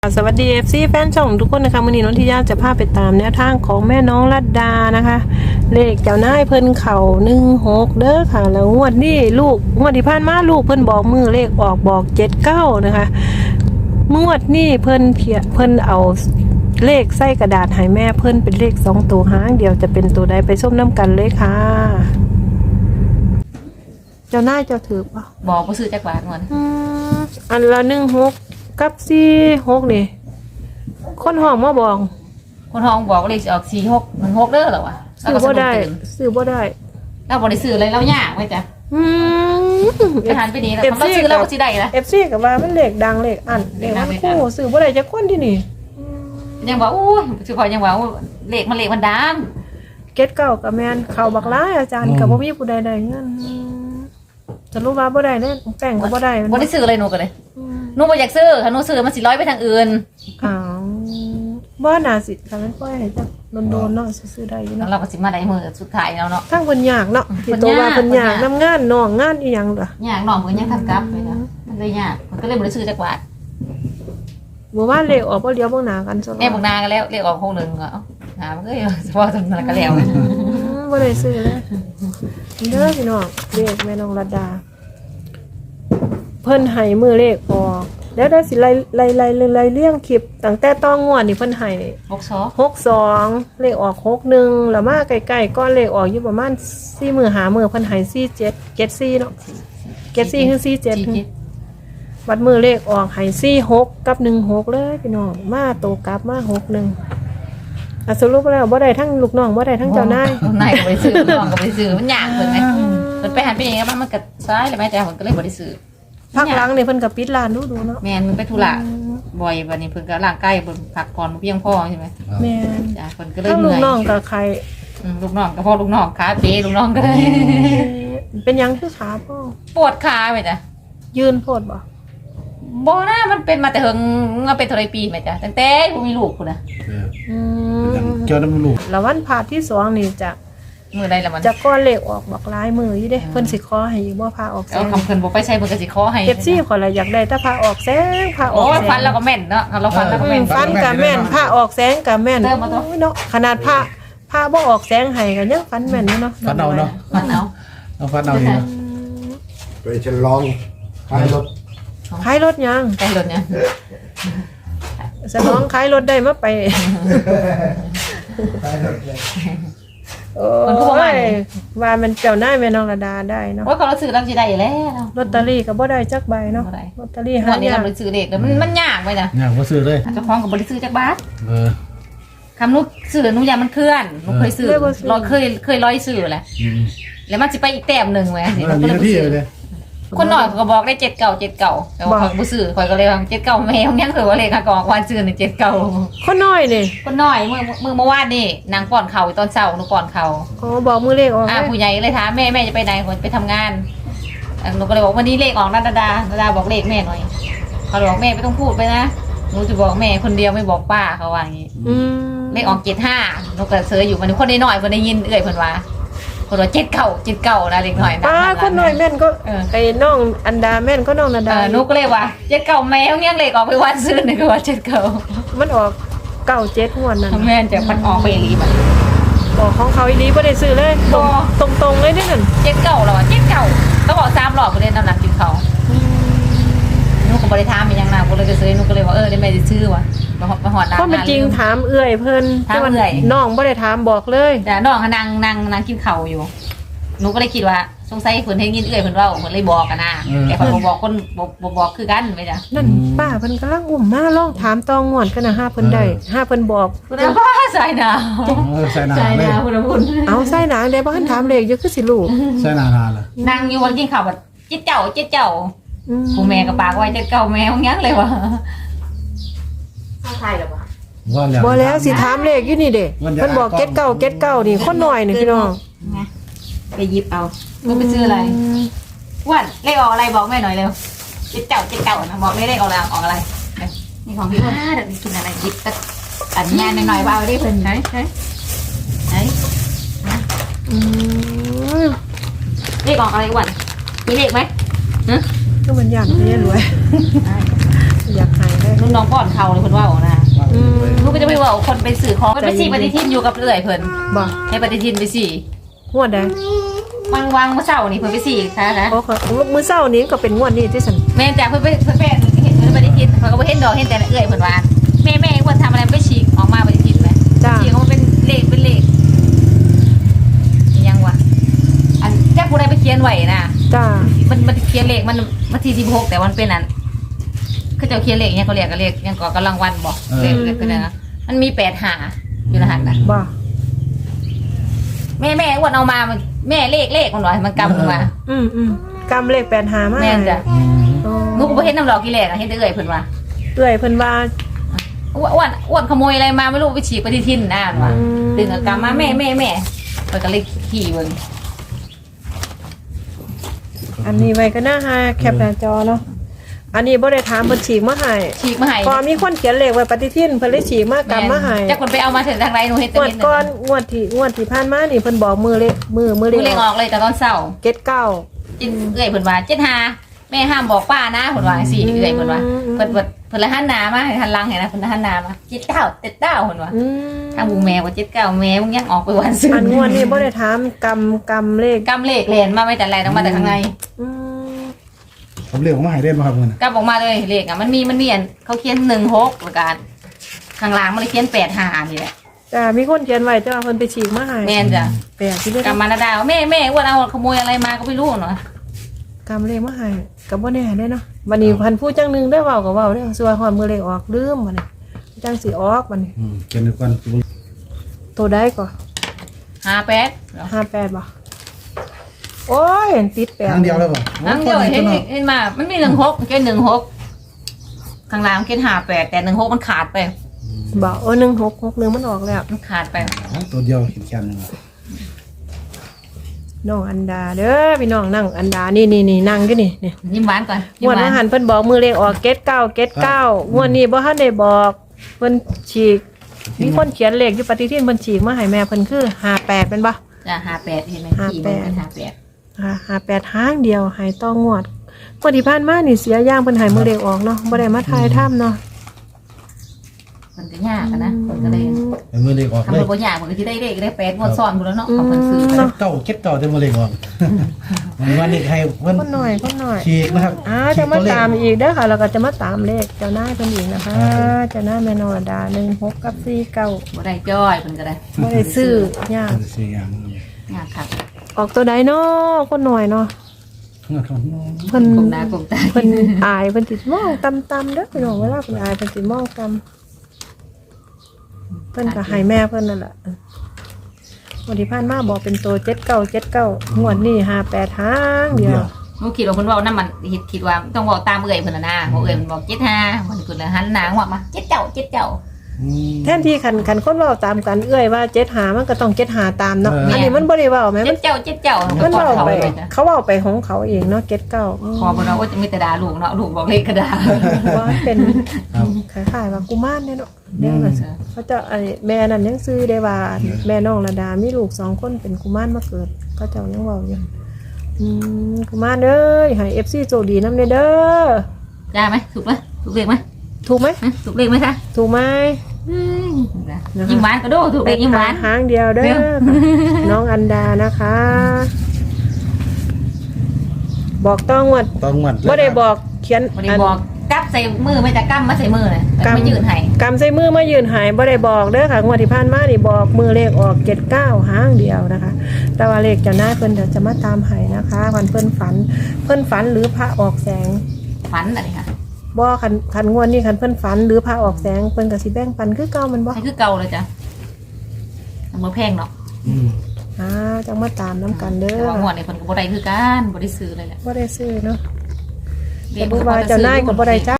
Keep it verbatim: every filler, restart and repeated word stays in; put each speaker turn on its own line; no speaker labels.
สวัสดี เอฟ ซี แฟนช่องทุกคนนะคะวันนี้น้องทิยาจะพาไปตามแนวทางของแม่น้องรัตดานะคะเลขเจ้านายเพิ่นเข่าหนึ่งหกเด้อค่ะแล้วงวดนี้ลูกงวดที่ผ่านมาลูกเพิ่นบอกมือเลขออกบอกเจ็ดเก้านะคะงวดนี้เพิ่นเขียเพิ่นเอาเลขใส่กระดาษให้แม่เพิ่นเป็นเลขสองตัวหางเดียวจะเป็นตัวใดไปส้มน้ำกันเลยค่ะเจ้านายเจ้าถือป่ะ
บอกว่าซื้อจากบาทก่อน
อืมอันละหนึ่งหกกับสี่หกนี่คนห้องมาบอก
คนห้องบอกว่าเลขสิออกสี่หกมันหกเด้อเหรอวะ
ซื้อบ่ได้ซื้อบ่ได้
เราบริซื้ออะไรเรายากไว้จ้ะ
อืม
ไปหันไปนี่แล้วเราซื้อเราก็สิได้ละ
เอฟซีกับว่ามันเลขดังเลขอันเลขมันคู่ซื้อบ่ได้จักคนที่นี่
ยังบอกอู้สิคอยยังบอกเลขมันเลขมันดัง
เก็ตเก่ากับแม่นเข้าบักหลายอาจารย์ก็บ่มีผู้ใดได้เงินจะรู้ว่าบ่ได้เด้แป้งก็บ่ได้
บ่ได้ซื้ออะไรหนูก็เลยหนูบ่อยากซื้อถ้าหนูซื้อมันสิร้อยไปทางอื่น
อ้าวบ่น่าสิถ้ามันปล่อยให้จักโดนๆเนาะซื้อได้อยู่
แล้ว
เนาะ
เราก็สิมาได้มือสุดท้ายแล้วเนาะ
ทั้งเพิ่นยากเนาะที่โตว่าเพิ่นยากนำงานน้องงานอีหยังล่ะ
ยากน้องมันยังทำกลับไปนะมันเลยยากมันก็เลยบ่ได้ซื้อจากบาท
บ่ว่าเลขออกบ่เลี้ยวบ่หน้ากันซะ
แม่บอกนากันแล้วเลขออกหกหนึ่งก็เอ้าหามันก็เฉพาะตรงนั้นก็แล้ว
บ่ได้ซื้อเลยเด้อพี่น้องเลขแม่น้องรัตดาเพิ่นให้มือเลขออกแล้วได้สิไล่ไล่ไล่ไล่เลี้ยงคลิปตั้งแต่ต้องงวดนี่เพิ่นให้
หกสอง
หกสองเลขออกหกหนึ่งแล้วมาใกล้ๆก้อนเลขออกอยู่ประมาณสี่มื้อห้ามื้อเพิ่นให้สี่เจ็ดเจ็ดสี่เนาะเจ็ดสี่คือสี่เจ็ดวัดมือเลขออกให้สี่หกกับหนึ่งหกเลยพี่น้องมาโตกลับมาหกหนึ่งอ่ะสรุปแล้วบ่ได้ทั้งลูกน้องบ่ได้ทั้งเจ้านาย
นายก็ไปซื้อน้องก็ไปซื้อมันยากเพิ่นไงเพิ่นไปหันไปอย่างเงี้ยมันก็ซ้ายเลยแม่แต่เพิ่นก็เลยบ่ได้ซื้อ
พักหลังนี่เพิ่นก็ปิดร้านดูดูเนาะ
แม่นมันไปธุระบ่อยบัดนี้เพิ่นก็ร่างกายเพิ่นพักผ่อนบ่เพียงพอใช่ไหม
แม่น
จ้ะเพิ่นก็เลย
ทั้ง
เห
ลู
นื่
ก
อย
น้องกับใคร
อืมลูกน้องก็พอลูกน้องขาเป๋ลูกน้องก็เลย
เป็นหยังคือขาพ่อ
ปวดขาไปจ้ะ
ยืนโพดบ่
บ่นะมันเป็นมาแต่เฮิงมันเป็นเท่าไรปีแม่จ้ะตั้งแต่บ่มีลูกพุ่นน่ะ
อืม
เกี่ยวน้ำลูก
แล้ววันพาที่สองนี่จะ
มื้อใดล่ะมัน
จะก้อนเลขออกบอกลายมืออยู่เด้เพิ่นสิขอให้อีกบ่พาออกแส
เอา
ง
คำเพิ่นบ่ไปใช้เพิ่นก็สิขอให้
เอฟซีข่อยละอยากได้ถ้าพาออกแสงพาอ
โอ้
อก
ย
แสง
ฟันแล้วก็แม่นเนาะเราฟันแล้วก็
อื
แม่
ม
น
ฟันกับแม่นพาออกแสงกับแม่น
เติมมาตัว
โอ้ยเนาะขนาดพาพาบ่ออกแสงให้ก็ยังฟันแม่นอยู่เนาะ
ฟันเอาเนาะ
ฟันเอา
เอาฟันเอานี่นะ
ไปฉลองขายรถ
ขายรถยัง
ใกล้รถเนี่ย
สนองขายรถได้มาไป
ขายรถเลย
โอ้ยว่ามันเจ้านายแม่น้องระดาได้เนาะ
โอ้ยเขาเราซื้อเราสิได้อยู่แล้ว
ลอตเตอรี่ก็บ่ได้จักใบเนาะ
บ่ได้
ลอตเตอรี่
วั
หาน
นี้
ยา
เรา
ก
ไปซื้อเด็กแล้วมันมันยากไปจ้ะ
เนี่ยว่าซื้อเลย
เจ้าของกับบริซื้อจากบาท
เออ
คำนุซื้อหนุยามันเคลื่อนหนุเคยซื้อร้อยเคยเคยร้อยซื้อแหละ
อืม
แล้วมันจะไปอีกแต้มหนึ่งไว้สิ
มันมีหน้าที่เลย
คนหน่อยก็บอกได้เจ็ดเก่าเจ็ดเก่าแต่ว่าบุซื้อคอยก็เลยว่าเจ็ดเก่าแม่ของยังเคยว่าเลยค่ะกองวันซื้อในเจ็ดเก่า
คนน้อยนี่
คนหน่อยเมื่อเมื่อเมื่อวานนี่นางป้อนเข่าตอนเช้าหนูป้อนเข่า
อ๋อบอกมือเลขออก
อ่า
เลย
ผู้ใหญ่เลยถามแม่แม่จะไปไหนคนไปทำงานหนูก็เลยบอกวันนี้เลขออกนาดาดาดาดาบอกเลขแม่หน่อยเขาบอกแม่ไม่ต้องพูดไปนะหนูจะบอกแม่คนเดียวไม่บอกป้าเขาว่าอย่างนี้
อืม
เลขออกเจ็ดห้าหนูก็เสืออยู่มันคนน้อยๆคนได้ยินเอ่ยเพิ่นว่าคนว่าเจ็ดเก่าเจ็ดเก่านะเล็กหน่อยนะ
ป้าคนน้อยแม่นก็
เออ
ไอ้น้องอันดาแม่นก็น้องนา
เอ
ดา
อหนูก็เลยว่าเจ็ดเก่าแมวยังเลขออกไปวันซื้อหนึ่งก็ว่าเจ็ดเก่า
มันออกเก้าเจ็ดงวดนั้น
แม่จะมันออกไปรีบ
บอกของเขาอีหลีบ่ได้ซื้อเลย
บ่
ตรงตรงๆเลยนี่นั่น
เจ็ดเก่าแล้วเจ็ดเก่าต้องบอกสามหลอกไปเล่นน้ำหนักกินเขาหนูก็บริทามเป็นยังนาก็เลยก็ซื้อหนูก็เลยว่าเออได้แม่จะซื้อวะมาหอดมาหอดร้าน
เพราะมันจริงถามเอื้อยเพิ่น
ถามเอื้อย
น้องบ่ได้ถามบอกเลย
แต่น้องนางนางนางกินเข่าอยู่หนูก็เลยคิดว่าสงสัยเพิ่นเห็นยินเอื้อยเพิ่นเว่าเพิ่นเลยบอกกันนะแต่คนบอกคนบอกบอกคือกันไหมจ๊ะ
นั่นป้าเพิ่นกำลังอุ้มมาลองถามตองงวดกันนะห้าเพิ่นได้ห้าเพิ่นบอก
คุณอาป้าใส่หนาว
เออใส่หนา
ใส่ห
เลย
นาวคุณอาบุญ
เอาใส่หนังได้บ่ทันถามเลขอยู่คือสิลูก
ใส่หนานานเลย
นางอยู่วันกินข้าวแบบเจ๊เจ้าเจ๊เจ้า
อืม
ผู้แม่กับปากไว้เจ๊เก่าแม่ของยังเลยวะใช่หรอวะ
ว่าแล้ว
บ่แล้วสิถามเลขอยู่นี่เด้เพิ่นบอกเก็ดเก้าเก็ดเก้านี่คนน้อยนี่พี่น้อง
ไปหยิบเอามึงไปซื้ออะไรอ้วันเลขออกอะไรบอกแม่หน่อยเร็วเจ๊เจ้าเจ๊เจ้านะบอกไม่เลขออกอะไรออกอะไรนี่ของพี่อ้วนเดี๋ยวกินอะไรหยิบตัดอันงานหน่อยๆว่าเอาได้เพิ่นไหนไหนไหน
อืม
เลขออกอะไรอ้วันมีเลขไหมฮะ
ก็มันย่านไปเนี่ยรวยอยากหายได้
รุ่นน้องป้อนเขาเลยเพิ่นว่านะ
อืม
ลูกก็จะไปว่าคนไปสื่อของไปสี่ปฏิทินอยู่กับเอื่อยเพิ่น
บ่
ให้ปฏิทินไปสี่
งวดใด
วางวางเมื่อเช้านี่เพิ่นไปสี่ค่ะนะ
โอ้ค่ะมื้อเช้านี้ก็เป็นงวดนี้ที่สัน
แม่จากเพิ่นไปเพิ่นไปเห็นเพิ่นปฏิทินเพิ่นก็บ่เห็นดอกเห็นแต่เอื่อยเพิ่นว่าแม่แม่ควรทำอะไรไปฉีกออกมาปฏิทินไหม
จ้า
ฉีกออกมาเป็นเลขเป็นเลขยังวะอันแค่ผู้ใดไปเขียนไว้นะ
จ้า
มันมันเขียนเลขมันมันที่สิบหกแต่มันเป็นอันเขาจะเขียนเลขเนี่ยเขาเรียกกันเลขยังก่อกำลังวันบอกเลขเลขกันนะมันมีแปดหาอยู่ในหันนะ
บ่
แม่แม่อ้วนเอามามันแม่เลขเลขมันหน่อยมันกำลงมา
อืมอืมกำเลขแปดหามา
แม่นจ้ะ
อืม
โอ้
นุกก็บ่เห็นน้ำดอกกี่แหลกอะเห็นแต่เอ่ยเพิ่นว่า
เอื้อยเพิ่นว่า
อ้วนอ้วนอ้วนขโมยอะไรมาไม่รู้ไปฉีกปฏิทินนะมันว่า
อืม
ดึงเอากำมาแม่แม่แม่เพิ่นก็เลยขี่เบิ่ง
อันนี้ไว้ก็น่าหาแคปหน้าจอเนาะอันนี้บ่ได้ถามเพิ่นฉีกมาให้
ฉีกมาให้
พอมีคนเขียนเลขไว้ปฏิทินเพิ่นเลยฉีกมากำมาให้
จักคนไปเอามาถึงทางไรหนูเห็นแต่
งวด
เห็น
ก่อนงวดที่งวดที่ผ่านมานี่เพิ่นบอกมือเลขมือมือเล
ดู
ข
เลขออกเลยแต่ตอนเช้า
เก็ดเก้า
จินเอ่ยเพิ่นว่าเจ็ดหาแม่ห้ามบอกป้านะเพิ่นว่าสี่เอ่ยเพิ่นว่าเพิ่นเพิ่นเพิ่นละหันหน้ามาให้หันหลังให้นะเพิ่นละหันหน้ามาเจ็ดเก้าเจ็ดเก้าเพิ่นว่า
อืม
ทางบุงแม่ว่าเจ็ดเก้าแม่มึงยังออกไปวันซื้อ
อั
อั
นงวดนี้บ่ได้ถามกำกำเลข
กำเลขเลนมาไม่แต่ไรต้องมาแต่ข้างใน
อืม
ผมเรียกว่ามาให้เล่นมาครับเงิน
กำออกมาเลยเลขอ่ะมันมีมันมีอันเขาเขียนหนึ่งหกประการข้างล่างมันเลยเขียนแปดห้านี่แหละ
จ้ามีคนเขียนไว้จ้าเพิ่นไปฉีกมาให้
แม่นจ้ะ
แปลกที่เด้อก
ำมานาดาวแม่แม่อ้วนเอาขโมยอะไรมาก็ไม่รู้เนาะ
กำเลขมาให้ก็บ่แน่เด้เนาะวันนี้พันผู้จังหนึงได้เว้าก็เว้าเด้อส่วนฮอดมือเลขออกลืมบัดนี้จังสิออกบัดนี้
อืมเกินก่อน
ตัวใดก็
ห้าแปด
ห้าแปดบ่โอ้ยติดแปด
ครั้งเดียวเลยป่ะ
นั่งเดียวเห็นเห็นมามันมีหนึ่งหกเขียนหนึ่งหกข้างล่างเขียนห้าแปดแต่หนึ่งหกมันขาดไป
บ่เออหนึ่งหกหกหนึ่งมันออกแล้ว
มันขาดไป
ตัวเดียวเห็นแค่นึง
น้องอันดาเด้อพี่น้องนั่งอันดานี่นี่นี่นั่งอยู่นี่นี่
ยิ้มหวานก่อน
ง
ยิ้ม
วด
หวา
ว่าน หันเพิ่นบอกมือเลขออกเก็ดเก้าเก็ดเก้างวดนี้บ่ทันได้บอกเพิ่นฉีกมีคนเขียนเลขอยู่ปฏิทินเพิ่นฉีกมาให้แม่เพิ่นคือห้าแปดเป็นบ่
จ้ะห้าแปดเห็นไหม
ห้า
ขี่
แป
มัน
ด
เป็นห้าแปด
อ่าห้าแปดห้างเดียวใหายต้องงวดงวดที่ผ่านมานี่เสียย่างเพิ่นใหายมือเลขออกเนาะบ่ได้มาทายถ้ำเนาะ
มันก็ยากอะนะคนก็เลย
แต่มือเล็กออก
ทำ
เล
ให้
ย
บ่ยากมันก็สิได้เลขได้แปดงวดซ้อนหมดแล้วเนาะเขาเพิ่นซื้อ
เก่าเก็บเก่าแต่มือเล็กออกวันนี้ใครเพิ่น
คนหน่อยคนหน่อย
ฉีกนะครับ
อ่าจะมาตามอีกเด้อค่ะแล้วก็จะมาตามเลขเจ้านายเพิ่นอีกนะคะเจ้านายแม่นอดาหนึ่งหกกับสี่เก้า
บ่ได้จ้อยเพิ่นก็ได้
บ่ได้ซื้อยาก
สี่อย่าง
ยากครับ
ออกตัวใดเนาะคนหน่อยเนาะเพิ่น
กลมหน้ากลมตา
เพิ่นอายเพิ่นสิมองต่ำๆเด้อพี่น้องเวลาเพิ่นอายเพิ่นสิมองต่ำเพิ่นก็ให้แม่เพิ่นนั่นแหละวันที่ผ่านมาบอกเป็นตัวเจ็ดเก้าเจ็ดเก้างวดนี้ห้าแปดหางเดียว
บ่คิดว่าเพิ่นเว้านำมันคิดคิดว่าต้องเว้าตามเอื้อยเพิ่นน่ะนะบ่เอื้อยมันบอกเจ็ดห้ามันเพิ่นเลยหันหน้าว่ามาเจ็ดเจ้าเจ็ดเจ้า
แทนที่คันคันคนเว้าตามกันเอื้อยว่าเจ็ดหามันก็ต้องเจ็ดหาตามเนาะอันนี้มันบ่ได้เว้าแม่
เจ็
มั
ด
น
เจ้าเจ็ดเจ้า
มัน
ก่อน
เว้า
เขา
ไป
เลยจ้ะ
เขาเว้าไปของเขาเองเนาะเจ็ดเก้า
พอบ่เนาะว่าจะมีแต่ด่าลูกเนาะลูกบอกเลขก็ด่า
ว่าเป็น
ครับ
คล้ายๆว่ากุมารเนี่ยเนาะเดี๋ยวมันเขาจะไอ้แม่นั่นยังซื้อได้ว่าแม่น้องระดามีลูกสองคนเป็นกุมารมาเกิดเขาเจ้ายังเว้าอยู่อืมกุมารเอ้ยให้ เอฟ ซี โชคดีนำเด้อเด้อ
ได้ไหมถูกไหมถูกเลขไหม
ถูกไหม
ฮะถูกเลขไหมคะ
ถูกไหม
ยิ้มหวานก็ดูถูกเลขยิ้มหวาน
หางเดียวเด้อน้องอันดานะคะ บอกต้องวัด
ต้องหมด
บ่ได้บอกเขียน
บ่ได้บอกกับใส่มือไม่แต่กัมมาใส่มือเลยแต่ไม่ยืนให้
กำใส่มือมายืนหายบ่ได้บอกเด้อค่ะงวดที่ผ่านมานี่บอกมือเลขออกเจ็ดเก้าหางเดียวนะคะ แต่ว่าเลขเจ้าหน้ายเพิ่นเดี๋ยวจะมาตามให้นะคะวันเพิ่นฝัน เพิ่นฝันหรือพระออกแสง
ฝันอะไรค่ะ
บ่คันคันงวดนี้คันเพิ่นฝันหรือพระออกแสงเพิ่นก็สิแบ่งปันคือเก่ามันบ่
ให้คือเก่าเลยจ้ะมือแพงเนาะ
อืม
อ่าจังมาตามน้ำกันเด้
แต่
อ
ว่างวดนี้คนก็บ่ได้คือกันบ่ได้ซื้อเลยแหละ
บ่ได้ซื้อเนาะ
เรี
แต่
ยก
บ่ว่าเจ้านายก็บ่ได้จ้า